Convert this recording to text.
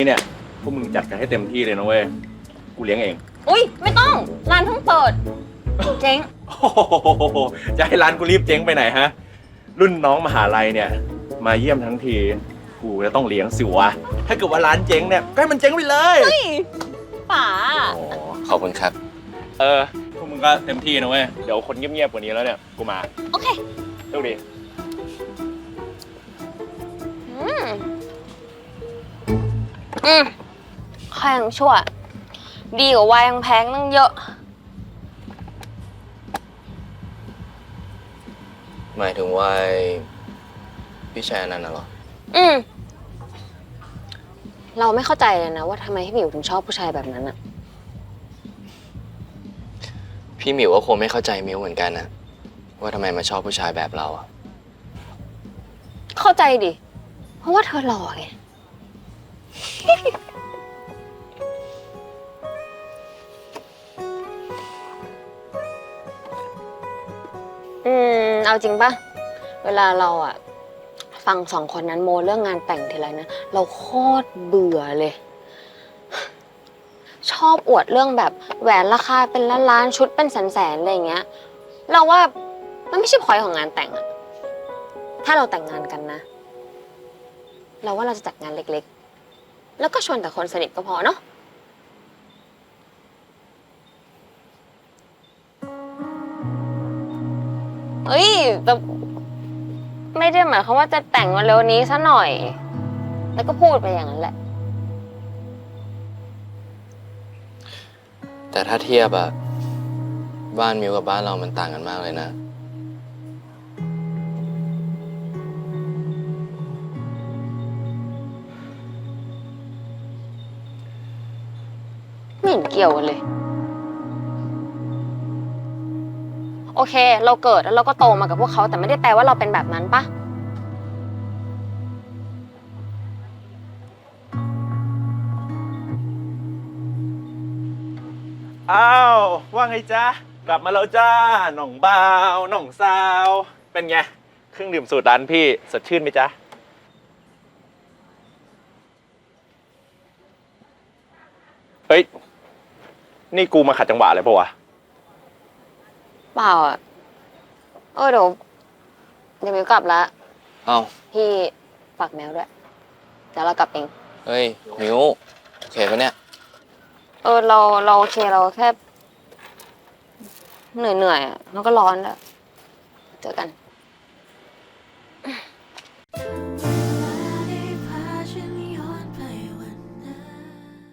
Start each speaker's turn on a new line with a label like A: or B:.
A: เนี่ยพวกมึงจัดกันให้เต็มที่เลยนะเว้ยกูเลี้ยงเอง
B: อุ้ยไม่ต้องร้านเพิ่งเปิดเจ๊ง
A: โอ้โหจะให้ร้านกูรีบเจ๊งไปไหนฮะรุ่นน้องมหาลัยเนี่ยมาเยี่ยมทั้งทีกูจะต้องเลี้ยงสิวะถ้าเกิดว่าร้านเจ๊งเนี่ยก็ให้มันเจ๊งไปเลย
B: เฮ้ยป๋า
A: อ๋อ
C: ขอบคุณครับ
A: พวกมึงก็เต็มที่นะเว้ยเดี๋ยวคนเงียบๆกว่านี้แล้วเนี่ยกูมา
B: โอเค
A: โชคดี
B: อืมข้ายังชั่ว ดีกว่าวายยังแพงตั้งเยอะ
C: หมายถึงว่าพี่ชายนั่นน่ะเหรอ
B: เราไม่เข้าใจเลยนะว่าทำไมพี่หมิวถึงชอบผู้ชายแบบนั้นอะ
C: พี่หมิวก็คงไม่เข้าใจมิวเหมือนกันนะว่าทำไมมาชอบผู้ชายแบบเราอะ
B: เข้าใจดิ เพราะว่าเธอหล่อไง เอาจริงปะเวลาเราอะฟังสองคนนั้นโมเรื่องงานแต่งทีไรนะ เราโคตรเบื่อเลย ชอบอวดเรื่องแบบแหวนราคาเป็นล้านๆชุดเป็นแสนๆอะไรอย่างเงี้ย เราว่ามันไม่ใช่พอยต์ของงานแต่งอะถ้าเราแต่งงานกันนะ เราว่าเราจะจัดงานเล็กๆ แล้วก็ชวนแต่คนสนิทก็พอเนาะ เฮ้ยแต่ไม่ได้หมายความว่าจะแต่งมาเร็วนี้ซะหน่อย แล้วก็พูดไปอย่างนั้นแหละ
C: แต่ถ้าเทียบอะบ้านมิวกับบ้านเรามันต่างกันมากเลยนะ
B: ไม่เห็นเกี่ยวกันเลย โอเค เราเกิดแล้วเราก็โตมากับพวกเขาแต่ไม่ได้แปลว่าเราเป็นแบบนั้นปะ
A: อ้าวว่าไงจ๊ะกลับมาแล้วจ้าหน่องบ่าวหน่องสาวเป็นไงเครื่องดื่มสูตรร้านพี่สดชื่นไหมจ๊ะเฮ้ยนี่กูมาขัดจังหวะอะไรปะวะ
B: เปล่าอ่ะเดี๋ยวมิวกลับละ
C: เอ้า
B: พี่ฝากแมวด้วย เดี๋ยวเรากลับเอง
C: เฮ้ย มิวโอเคปะเนี่ย
B: เราโอเคเราแค่เหนื่อยๆอะแล้วก็ร้อนแล้วเจอกัน